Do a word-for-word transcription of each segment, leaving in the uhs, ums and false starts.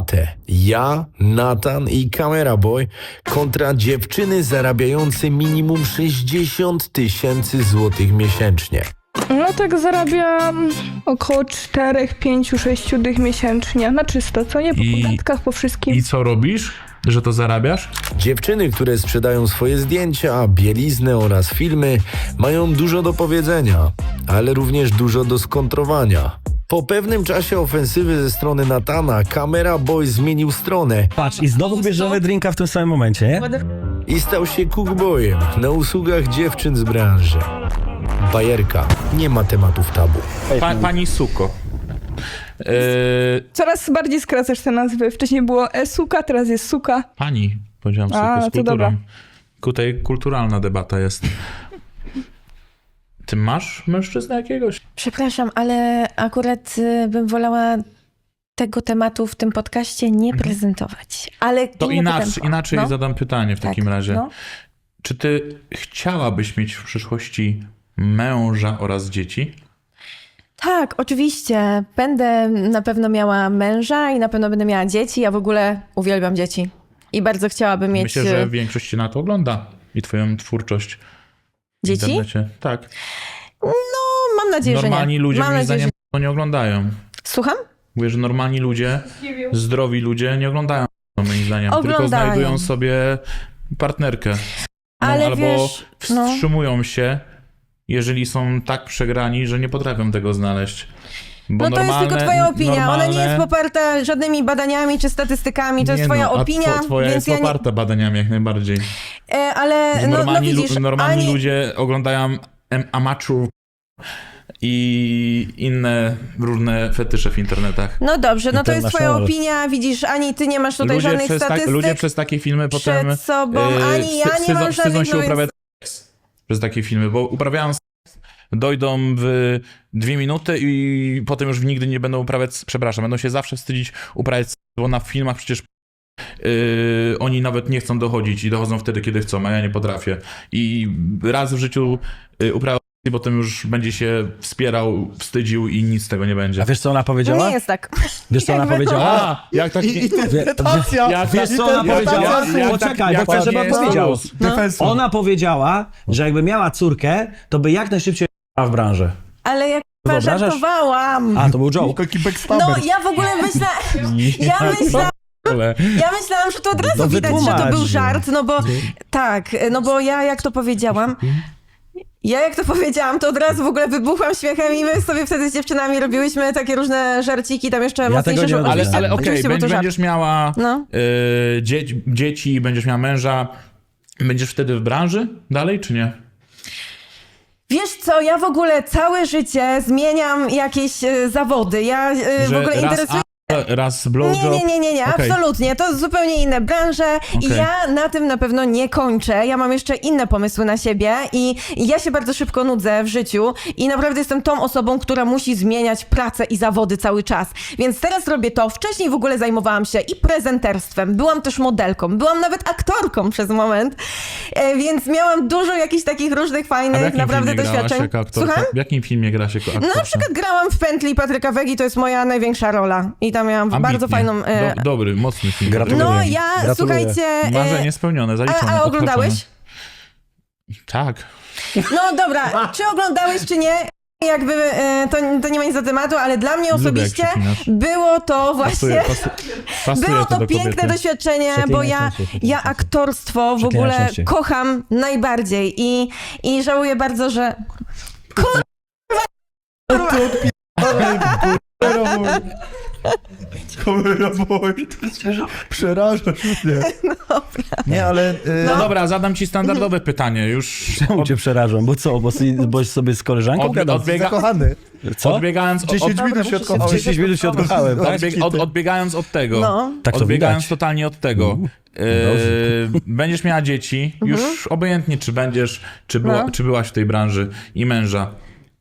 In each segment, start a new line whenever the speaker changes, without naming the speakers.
debatę. Ja, Nathan i Camera Boy kontra dziewczyny zarabiające minimum sześćdziesiąt tysięcy złotych miesięcznie.
No tak zarabiam około cztery, pięć, sześć dych miesięcznie. Na czysto, co nie? Po
I-
podatkach, po wszystkim.
I co robisz, że to zarabiasz?
Dziewczyny, które sprzedają swoje zdjęcia, bieliznę oraz filmy, mają dużo do powiedzenia, ale również dużo do skontrowania. Po pewnym czasie ofensywy ze strony Nathana, Camera Boy zmienił stronę
Patrz, i znowu bierzemy drinka w tym samym momencie, nie?
i stał się cookboyem na usługach dziewczyn z branży. Bajerka, nie ma tematów tabu.
Pa, pani Suko. Yy,
Coraz bardziej skracasz te nazwy. Wcześniej było e-suka, teraz jest suka.
pani, powiedziałam Suko,
A,
z
to
kulturą.
dobra.
Tutaj kulturalna debata jest. Ty masz mężczyznę jakiegoś?
Przepraszam, ale akurat y, bym wolała tego tematu w tym podcaście nie prezentować. Ale
To
inne
inaczej,
tempo.
inaczej
No.
zadam pytanie w
Tak,
takim razie.
no.
Czy ty chciałabyś mieć w przyszłości męża oraz dzieci?
Tak, oczywiście. Będę na pewno miała męża i na pewno będę miała dzieci. Ja w ogóle uwielbiam dzieci. I bardzo chciałabym mieć
Myślę, że
y,
większość cię na to ogląda i twoją twórczość w
dzieci.
internecie. Tak.
No, mam nadzieję,
Normalni
że nie.
ludzie
mam
moim
nadzieję,
zdaniem
że...
to nie oglądają.
Słucham?
Mówię, że normalni ludzie, zdrowi ludzie nie oglądają to moim zdaniem, tylko
Oglądają.
znajdują sobie partnerkę. No,
Ale
albo
wiesz, no.
wstrzymują się, jeżeli są tak przegrani, że nie potrafią tego znaleźć. Bo
No to jest tylko
normalne-
twoja opinia.
normalne...
Ona nie jest poparta żadnymi badaniami czy statystykami. To jest
Nie
twoja
no, a
opinia,
two, twoja
więc
jest
ja nie...
poparta badaniami jak najbardziej.
E, ale no, no
Normalni, lu-
widzisz,
normalni
ani...
ludzie oglądają em- amateur i inne różne fetysze w internetach.
No dobrze, no to jest twoja
International.
opinia, widzisz, ani ty nie masz tutaj
Ludzie
żadnych
przez, tak,
statystyk
ludzie przez takie filmy potem
przed sobą,
e,
ani ja
wsty-
nie mam
wstydzą, wstydzą
żadnych...
się
no więc-
uprawiać seks przez takie filmy, bo uprawiają seks, dojdą w dwie minuty i potem już nigdy nie będą uprawiać, przepraszam, będą się zawsze wstydzić uprawiać seks, bo na filmach przecież Yy, oni nawet nie chcą dochodzić i dochodzą wtedy, kiedy chcą, a ja nie potrafię. I raz w życiu yy, uprawiał i potem już będzie się wspierał, wstydził i nic z tego nie będzie.
A wiesz, co ona
No
powiedziała?
nie jest tak.
Wiesz, co ona
Jakby-
powiedziała?
A, jak tak...
I, i interpretacja.
jak-
Wiesz, co ona
jak-
powiedziała?
jak- jak-
Poczekaj,
jak-
bo chcę,
jak-
żeby
jak-
powiedział.
Defensu.
Ona powiedziała, że jakby miała córkę, to by jak najszybciej w branży.
Ale jak
Wyobrażasz?
żartowałam.
A, to był joke.
Taki backstabber.
No ja w ogóle myślałam... Ja myślałam... Ja myślałam, że to od razu
No
widać, że to
wytłumacz.
był żart, no bo tak, no bo ja jak to powiedziałam, ja jak to powiedziałam, to od razu w ogóle wybuchłam śmiechem i my sobie wtedy z dziewczynami robiłyśmy takie różne żarciki, tam jeszcze
Ja
mocniejsze,
tego nie
że
Ale,
oczywiście-
ale okej,
oczywiście był to
będziesz,
żart.
będziesz miała
No.
yy, dzie dzieci, będziesz miała męża, będziesz wtedy w branży dalej, czy nie?
Wiesz co, ja w ogóle całe życie zmieniam jakieś e, zawody, ja e, w
Że
ogóle
raz
interesuję...
a, raz blowjob?
Nie, nie, nie, nie, nie,
Okej.
absolutnie. To zupełnie inne branże i
Okej.
ja na tym na pewno nie kończę. Ja mam jeszcze inne pomysły na siebie i i ja się bardzo szybko nudzę w życiu i naprawdę jestem tą osobą, która musi zmieniać pracę i zawody cały czas. Więc teraz robię to. Wcześniej w ogóle zajmowałam się i prezenterstwem, byłam też modelką, byłam nawet aktorką przez moment, e, więc miałam dużo jakichś takich różnych
A w
fajnych
jakim
naprawdę
filmie grałaś
doświadczeń.
jako aktorka?
Słucham?
W jakim filmie grasz jako aktorka?
Na przykład grałam w Pętli Patryka Wegi, to jest moja największa rola i tam miałam
Ambitnie.
bardzo fajną... E,
Do, dobry, mocny film.
Gratuluję.
no ja,
Gratuluję.
słuchajcie... e,
Marzenie spełnione, zaliczone.
A, a oglądałeś?
odhaczone. Tak.
No dobra, czy oglądałeś, czy nie? Jakby e, to, to nie ma nic do tematu, ale dla mnie
Lubię, jak
osobiście
przeklinasz.
było to właśnie...
Pasuje, pasu, pasuje
Było
to
to
do
piękne
kobiety.
doświadczenie, bo
Przeklinaj
ja,
częściej, przeklinaj
ja
częściej.
aktorstwo w
Przeklinaj
ogóle
częściej.
kocham najbardziej i, i żałuję bardzo, że...
Kamera boy. Przerażasz mnie. Nie, ale... y,
No dobra, zadam ci standardowe pytanie. Już
Czemu
od,
cię przerażam? Bo co? Bo, si- bo sobie z koleżanką
Od-
gadam?
odbiega-
Zakochany.
Co?
odbiegając, od,
dziesięć minut się
W
odkochałeś.
dziesięć minut się odkochałem, tak?
odbieg, od, odbiegając od tego.
No.
Tak to
odbiegając
widać.
totalnie od tego.
dobrze.
Yy, będziesz miała dzieci, już obojętnie czy będziesz, czy, była,
No.
czy byłaś w tej branży i męża.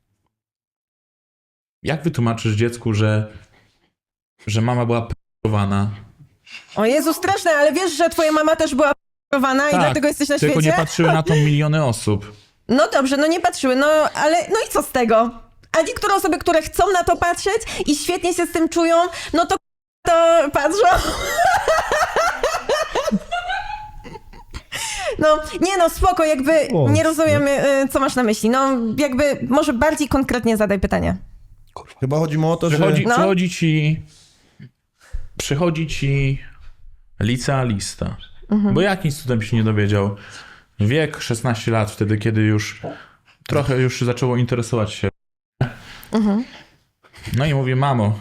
Jak wytłumaczysz dziecku, że, że mama była p***owana?
O Jezu, straszne, ale wiesz, że twoja mama też była p***owana i
Tak,
dlatego jesteś na
tylko
świecie?
nie patrzyły na to miliony osób.
No dobrze, no nie patrzyły, no ale no i co z tego? A niektóre osoby, które chcą na to patrzeć i świetnie się z tym czują, no to to patrzą. No, nie no, spoko, jakby
O,
nie rozumiem, y, co masz na myśli. No, jakby może bardziej konkretnie zadaj pytanie.
Chyba chodzi mu o to, że...
Przychodzi,
No.
przychodzi ci... Przychodzi ci licealista. Bo jakimś cudem się nie dowiedział. Wiek szesnaście lat, wtedy kiedy już trochę już zaczęło interesować się. No i mówi, mamo,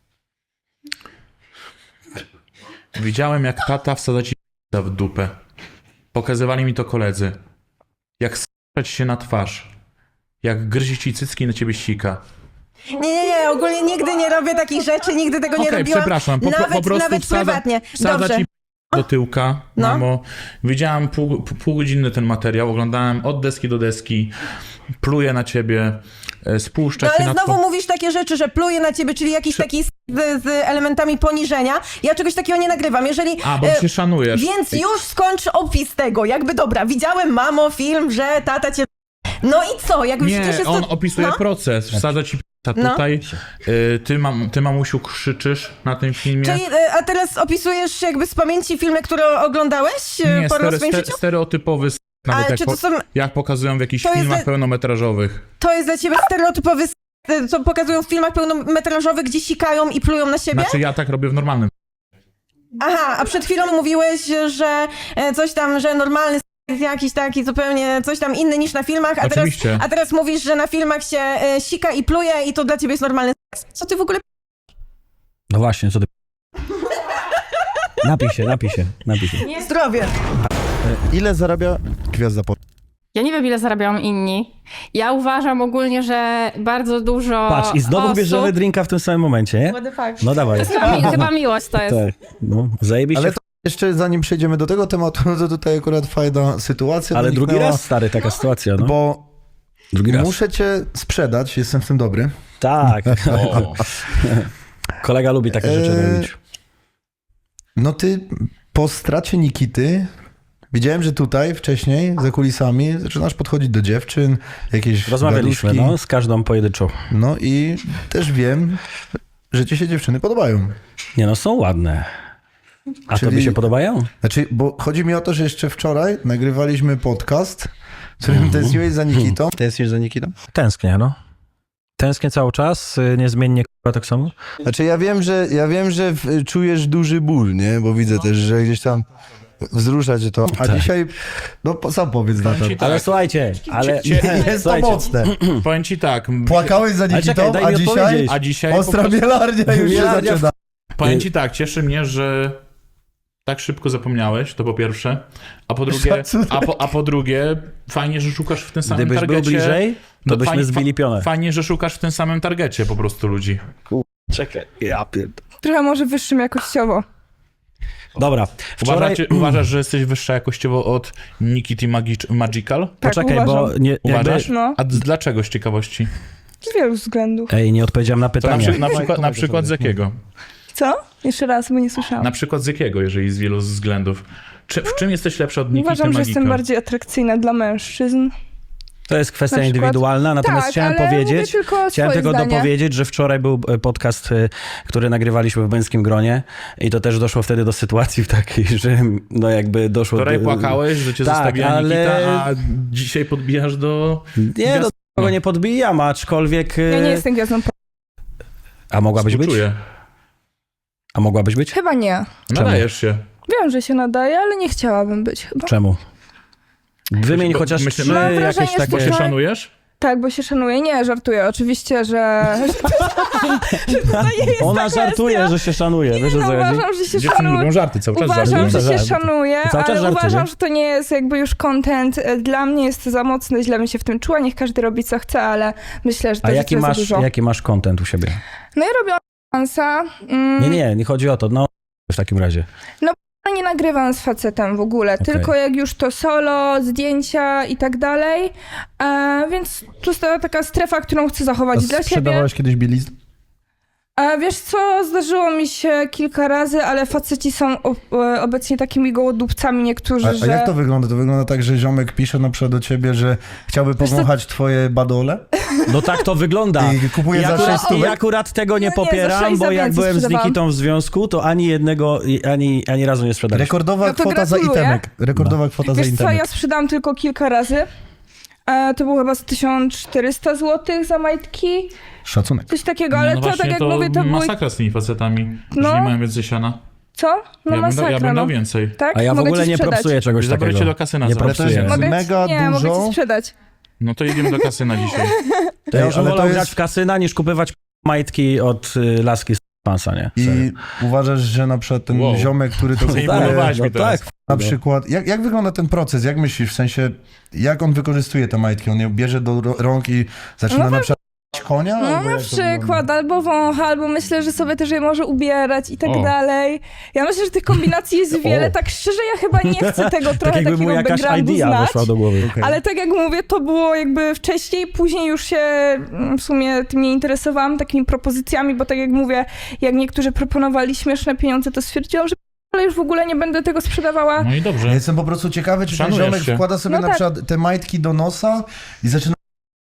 widziałem jak tata wsadza ci w dupę. Pokazywali mi to koledzy. Jak s**ać się na twarz. Jak gryzie ci cycki i na ciebie sika.
Nie, nie, nie, ogólnie nigdy nie robię takich rzeczy, nigdy tego nie
Okej,
robiłam.
przepraszam, po,
nawet,
po prostu
nawet
wsadza,
prywatnie.
wsadza
Dobrze.
ci do tyłka,
No.
mamo. Widziałem pół, pół godziny ten materiał, oglądałem od deski do deski, pluje na ciebie, e, spuszcza
No
się
ale
na
znowu
two-
mówisz takie rzeczy, że pluję na ciebie, czyli jakiś taki s- z, z elementami poniżenia. Ja czegoś takiego nie nagrywam. Jeżeli...
A, bo
e,
się szanujesz.
Więc już skończ opis tego. Jakby dobra, widziałem, mamo, film, że tata cię... No i co? Jakby przecież
Nie,
jest
on
to...
opisuje
no.
proces, wsadza ci p***a
No.
tutaj, y, ty, mam, ty mamusiu krzyczysz na tym filmie.
Czyli, e, a teraz opisujesz jakby z pamięci filmy, które oglądałeś e,
Nie,
po
stere,
swoim
ste,
życiu?
stereotypowy s- nawet
Ale
jak,
czy
po,
to są...
jak pokazują w jakichś
To jest
filmach
le-
pełnometrażowych.
To jest dla ciebie stereotypowy, s- co pokazują w filmach pełnometrażowych, gdzie sikają i plują na siebie?
Znaczy ja tak robię w normalnym.
Aha, a przed chwilą mówiłeś, że e, coś tam, że normalny s- jest jakiś taki zupełnie coś tam inny niż na filmach, a teraz,
Oczywiście.
a teraz mówisz, że na filmach się e, sika i pluje i to dla ciebie jest normalny seks. Co ty w ogóle...
No właśnie, co ty... Napij się, napij się, napij się.
Zdrowie.
Ile zarabia gwiazda pop?
Ja nie wiem, ile zarabiają inni. Ja uważam ogólnie, że bardzo dużo
Patrz, i znowu
osób...
bierzemy drinka w tym samym momencie, nie?
What the fuck?
No dawaj.
Chyba, mi, chyba miłość to jest.
Tak, no, zajebiście.
Ale
Ale,
to jeszcze zanim przejdziemy do tego tematu, no to tutaj akurat fajna sytuacja.
ale drugi
doniknęła,
raz, stary, taka sytuacja, no.
Bo
Drugi raz.
muszę cię sprzedać, jestem w tym dobry.
Tak.
O.
Kolega lubi takie rzeczy
Eee,
robić.
No ty po stracie Nikity widziałem, że tutaj wcześniej za kulisami zaczynasz podchodzić do dziewczyn, jakieś
Rozmawialiśmy,
gaduszki.
no, z każdą pojedynczo.
No i też wiem, że ci się dziewczyny podobają.
Nie no, są ładne. A
Czyli-
tobie się podobają?
Znaczy, bo chodzi mi o to, że jeszcze wczoraj nagrywaliśmy podcast, w którym tęskniłeś za Nikitą. Tęsknisz za Nikitą?
Tęsknię, no. Tęsknię cały czas, y, niezmiennie k***a tak samo.
Znaczy ja wiem, że ja wiem, że w, czujesz duży ból, nie? Bo widzę też, że gdzieś tam wzrusza cię to. A dzisiaj, no po- sam powiedz na to.
ci tak.
Ale słuchajcie, ale...
Cie-
Jest to
słuchajcie,
mocne.
Powiem ci tak, m-
Płakałeś za
Ale
Nikitą,
czekaj, daj
a
mi
dzisiaj
odpowiedzieć.
a dzisiaj po
ostra
prostu,
bielarnia już się
Bielarnia w-
zaczyna.
powiem ci tak, cieszy mnie, że tak szybko zapomniałeś, to po pierwsze, a po drugie,
Szacunek.
a po, a po drugie, fajnie, że szukasz w tym samym
Gdybyś był
targecie.
bliżej, to
No
byśmy
fajnie-
zbili pionę.
Fajnie, że szukasz w tym samym targecie po prostu ludzi.
Czekaj, ja pierd...
Trochę może wyższym jakościowo.
Dobra, wczoraj...
Uważacie, uważasz, że jesteś wyższa jakościowo od Nikity Magic, Magical?
Tak,
Poczekaj,
uważam.
bo nie, jakby...
Uważasz?
No,
A d- dlaczego z ciekawości?
z wielu względów.
Ej, nie odpowiedziałem na
To na,
pytanie.
przy, na, przykład, na przykład z jakiego?
Co? Jeszcze raz, bo nie słyszałam.
Na przykład z jakiego, jeżeli z wielu względów? Czy, w czym jesteś lepsza od Nikity
Uważam, że
Magical?
jestem bardziej atrakcyjna dla mężczyzn.
To jest kwestia
Na przykład-
indywidualna, natomiast
tak,
chciałem
ale
powiedzieć...
mówię tylko
Chciałem
swoje
tylko
zdanie.
dopowiedzieć, że wczoraj był e, podcast, e, który nagrywaliśmy w męskim gronie i to też doszło wtedy do sytuacji w takiej, że no jakby doszło
Wczoraj
do...
płakałeś, że cię
Tak,
zostawiła
ale-
Nikita, a dzisiaj podbijasz do...
Nie, do tego nie podbijam, aczkolwiek... e,
Ja nie jestem gwiazdą. po-
A mogłabyś być?
Współczuję.
A mogłabyś być?
Chyba nie.
Nadajesz się.
Wiem, że się nadaje, ale nie chciałabym być chyba.
Czemu? Wymień
Bo
chociaż
myślę-
trzy
Mam wrażenie,
jakieś
że
Bo
takie...
się
Wczoraj-
szanujesz?
Tak, bo się szanuję. Nie, żartuję. Oczywiście, że... że to nie jest
Ona
ta
żartuje,
kwestia.
że się szanuje, wiesz o
No,
co chodzi?
uważam, że się
Dziewczyny
szanuję.
lubią żarty, cały czas
Uważam,
żartują.
że się
Żarty.
szanuję,
Cały czas
ale
żarty,
uważam,
nie?
że to nie jest jakby już content. Dla mnie jest to za mocne, źle bym się w tym czuła. Niech każdy robi co chce, ale myślę, że to
A
jest
jaki
za
masz,
dużo.
jaki masz content u siebie?
No ja robię OnlyFansa. Mm,
Nie, nie, nie chodzi o to, no w takim razie.
no nie nagrywam z facetem w ogóle,
Okej.
tylko jak już to solo, zdjęcia i tak dalej. E, więc to jest ta taka strefa, którą chcę zachować dla siebie.
Sprzedawałeś kiedyś bieliznę?
A wiesz co, zdarzyło mi się kilka razy, ale faceci są o, e, obecnie takimi gołodupcami niektórzy,
A, a
że...
jak to wygląda? To wygląda tak, że ziomek pisze na przykład do ciebie, że chciałby
Wiesz co-
powąchać twoje badole
No tak to wygląda.
i kupuje
I
za
akurat,
sześć
I
stówek?
akurat tego nie
Nie, nie, za
popieram,
sześć
bo
za
jak
więcej
byłem z
sprzedawałam.
Nikitą w związku, to ani jednego, i- ani, ani razu nie sprzedaliśmy.
Rekordowa
No to
kwota za
gratuluję.
itemek. Rekordowa kwota za
Wiesz co,
itemek.
ja sprzedałam tylko kilka razy. E, to było chyba z tysiąc czterysta złotych za majtki,
Szacunek.
coś takiego, ale
no
to
właśnie,
tak jak
to
mówię, to były...
masakra z tymi facetami,
No.
że nie mają więcej siana.
Co? No
ja, bym, da-
masakra,
ja bym
no.
dał więcej.
Tak?
A ja w
Mogę
ogóle
ci
nie
sprzedać.
propsuję czegoś
Zabrać
takiego.
cię do kasyna,
Nie
zobacz.
propsuję.
Mogę,
Mega
nie, mogę
dużo.
ci sprzedać.
No to jedziemy do kasyna dzisiaj.
To ja
Ej,
już
ale to
wolał
jest-
grać w kasyna niż kupować majtki od y, laski z pansa, nie? Serio.
I uważasz, że na przykład ten
Wow.
ziomek, który to
To
kupuje,
zaimponowałeś
no
mi teraz.
tak.
na przykład, jak, jak wygląda ten proces? Jak myślisz, w sensie, jak on wykorzystuje te majtki? On je bierze do ro- rąk i zaczyna
No
na przykład konia?
No
Albo
na
jak to wygląda?
przykład, albo wącha, albo myślę, że sobie też je może ubierać i tak
O.
dalej. Ja myślę, że tych kombinacji jest wiele. Tak szczerze, ja chyba nie chcę tego
Tak
trochę
jakby mu
takiego
jakaś
backgroundu
idea
znać.
weszła do głowy.
Okej.
Ale tak jak mówię, to było jakby wcześniej, później już się mm, w sumie tym nie interesowałam, takimi propozycjami, bo tak jak mówię, jak niektórzy proponowali śmieszne pieniądze, to stwierdziłam, że ale już w ogóle nie będę tego sprzedawała.
No i
Ja
dobrze.
jestem po prostu ciekawy, czy ten
Szanujesz
ziomek
się.
wkłada sobie
No
na
tak.
przykład te majtki do nosa i zaczyna,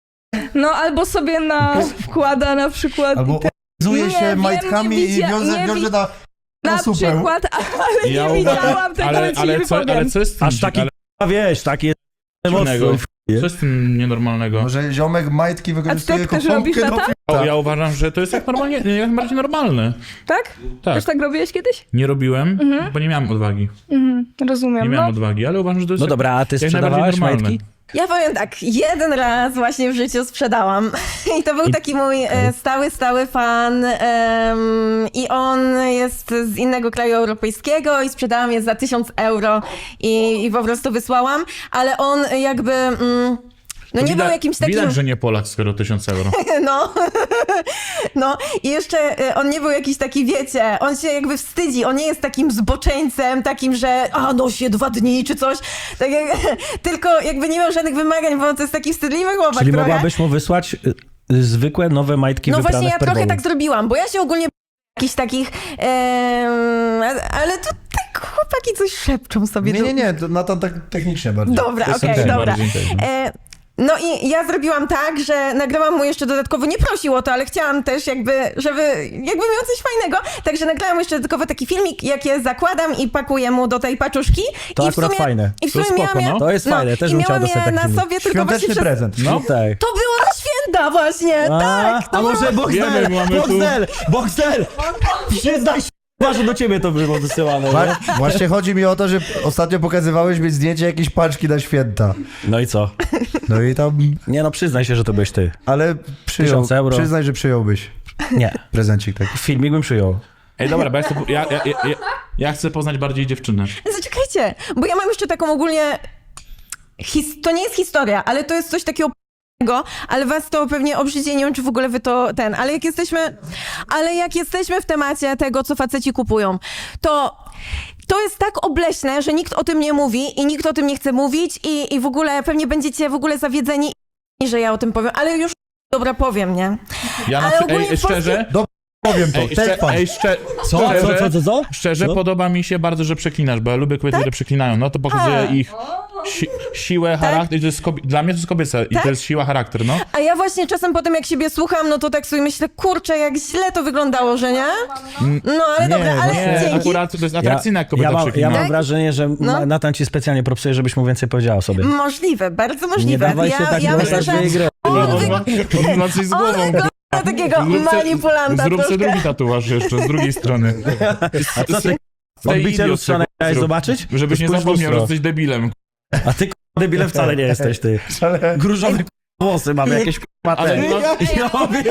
No albo sobie na wkłada na przykład
albo zuje
Nie
się
wiem,
majtkami
nie
i
widzia-
wiąże,
nie
wiąże
wi-
na, na
na
supę.
przykład, ale
Ja
nie
uważam-
widziałam tego,
ale,
ale, ci
ale,
nie
co,
wypowiem.
ale co jest z tym,
Aż taki,
ale,
a wiesz, takie
dziwnego?
mocno.
co jest z tym nienormalnego?
Może ziomek majtki wykorzystuje
A ty tak
jako
też robisz,
pompkę do
tata?
O,
f***a.
ja uważam, że to jest jak normalnie, jak najbardziej normalne.
Tak?
Tak.
Też tak robiłeś kiedyś?
Nie robiłem, bo nie miałem odwagi.
Mhm, rozumiem.
Nie
No.
miałem odwagi, ale uważam, że to jest
No
jak-
dobra, a ty
jak najbardziej
sprzedawałaś
normalne.
majtki?
Ja powiem tak, jeden raz właśnie w życiu sprzedałam i to był
I-
taki mój e, stały, stały fan em, i on jest z innego kraju europejskiego i sprzedałam je za tysiąc euro i, i po prostu wysłałam, ale on jakby... Mm, no
To
nie
widać,
był jakimś takim...
Widać, że nie Polak, skoro tysiąc euro.
No, no i jeszcze y, on nie był jakiś taki, wiecie, on się jakby wstydzi, on nie jest takim zboczeńcem, takim, że a no się dwa dni czy coś, tak jak, tylko jakby nie miał żadnych wymagań, bo to jest taki wstydliwy chłopak
Czyli
trochę.
mogłabyś mu wysłać y, y, zwykłe, nowe majtki
No
wyprane
właśnie ja
w pergolu.
trochę tak zrobiłam, bo ja się ogólnie jakichś takich, em, ale tu tak chłopaki coś szepczą sobie.
Nie,
tu.
nie, nie, to na to tak technicznie bardziej.
Dobra,
To jest
okej,
jak
dobra.
najbardziej tak.
E, no i ja zrobiłam tak, że nagrałam mu jeszcze dodatkowo, nie prosił o to, ale chciałam też jakby, żeby jakby miał coś fajnego, także nagrałam jeszcze dodatkowo taki filmik, jak je zakładam i pakuję mu do tej paczuszki.
To
I w
akurat
sumie,
fajne.
I w
To
sumie
spoko,
miałam je,
no.
To jest fajne, też
i
bym chciał
miałam
dostać
je
taki
na
filmik.
sobie, tylko właśnie
Świąteczny
przez...
prezent.
No.
Tak.
To było na święta właśnie,
A,
tak.
a może Boxdel,
Wiemy, mamy tu-
Boxdel, Boxdel, przyznaj się, że do ciebie to było wysyłane.
Wa-
Nie?
Właśnie chodzi mi o to, że ostatnio pokazywałeś mi zdjęcie jakiejś paczki na święta.
No i co?
No i tam,
Nie no, przyznaj się, że to byłeś ty.
ale przyjął,
Tysiąc euro.
przyznaj, że przyjąłbyś
Nie,
prezencik taki.
filmik bym przyjął.
Ej, dobra, bo ja chcę, ja, ja, ja, ja, ja chcę poznać bardziej dziewczynę.
Zaczekajcie, bo ja mam jeszcze taką ogólnie, his... to nie jest historia, ale to jest coś takiego p***ego, ale was to pewnie obrzydzi, nie wiem, czy w ogóle wy to ten, ale jak jesteśmy, ale jak jesteśmy w temacie tego, co faceci kupują, to to jest tak obleśne, że nikt o tym nie mówi i nikt o tym nie chce mówić i, i w ogóle pewnie będziecie w ogóle zawiedzeni, że ja o tym powiem, ale już dobra powiem, nie?
Ja na
Ale
przy...
ogólnie
Ej,
w Polsce-
szczerze,
Powiem to,
ej,
ten
szcze...
fan.
ej, szcze...
Co? Co,
szczerze,
co, co, co?
Szczerze
Co?
podoba mi się bardzo, że przeklinasz, bo ja lubię kobiety, które przeklinają. No to pokazuje
A.
ich si siłę, charakter. To jest kobie... Dla mnie to jest kobiece i to jest siła, charakter, no.
A ja właśnie czasem potem jak siebie słucham, no to tak sobie myślę, kurczę, jak źle to wyglądało, że nie? No ale
Nie,
dobra, ale
Nie,
dzięki.
akurat to jest atrakcyjne, jak kobieta
ja, mam, ja
przeklina.
mam wrażenie, że
No.
Natan ci specjalnie propsuje, żebyś mu więcej powiedziała o sobie.
Możliwe, bardzo
Nie
możliwe.
dawaj
ja
się tak
ja myślę,
włączać
że
w jej grę.
On,
on,
on,
wy...
ma, on ma coś z
on
głową.
wygląda na takiego
Zrób se-
manipulanta
Zrób sobie
troszkę.
drugi tatuaż jeszcze, z drugiej strony.
A co ty?
tej
Odbicie
idiot
lustrzane
zrób.
chciałeś zobaczyć?
Żebyś nie
Spójrz w
zapomniał, że
lustro.
jesteś debilem.
A ty k***a, debilem wcale nie jesteś, ty. Grużowe k***a włosy mamy, jakieś k***a
Ale
te.
no,
Ja mówię,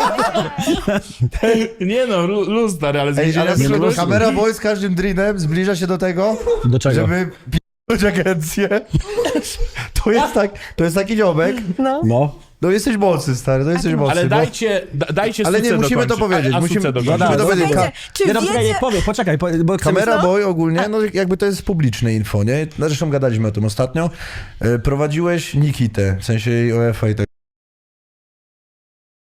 nie no, lu- luz stary, ale z
Ej,
więzienia
ale
nie, no,
przyszedłeś?
kamera boy z każdym drinem zbliża się do tego,
Do czego?
żeby p***ć agencję. To jest tak, to jest taki ziomek.
No.
No.
No jesteś mocny, stary, to jesteś mocny.
Ale
bo-
dajcie, da, dajcie
Ale nie,
suce
musimy to
dokończyć.
powiedzieć,
A, a
musimy-
suce dokończyć.
musimy
No
to powiedzieć.
Słuchajcie, czy
Nie, no poczekaj,
wiecie...
nie powie, poczekaj, po- bo chcemy...
Kamera Boy ogólnie, no jakby to jest publiczne info, nie? No, zresztą gadaliśmy o tym ostatnio. E, Prowadziłeś Nikitę, w sensie jej O F A i tak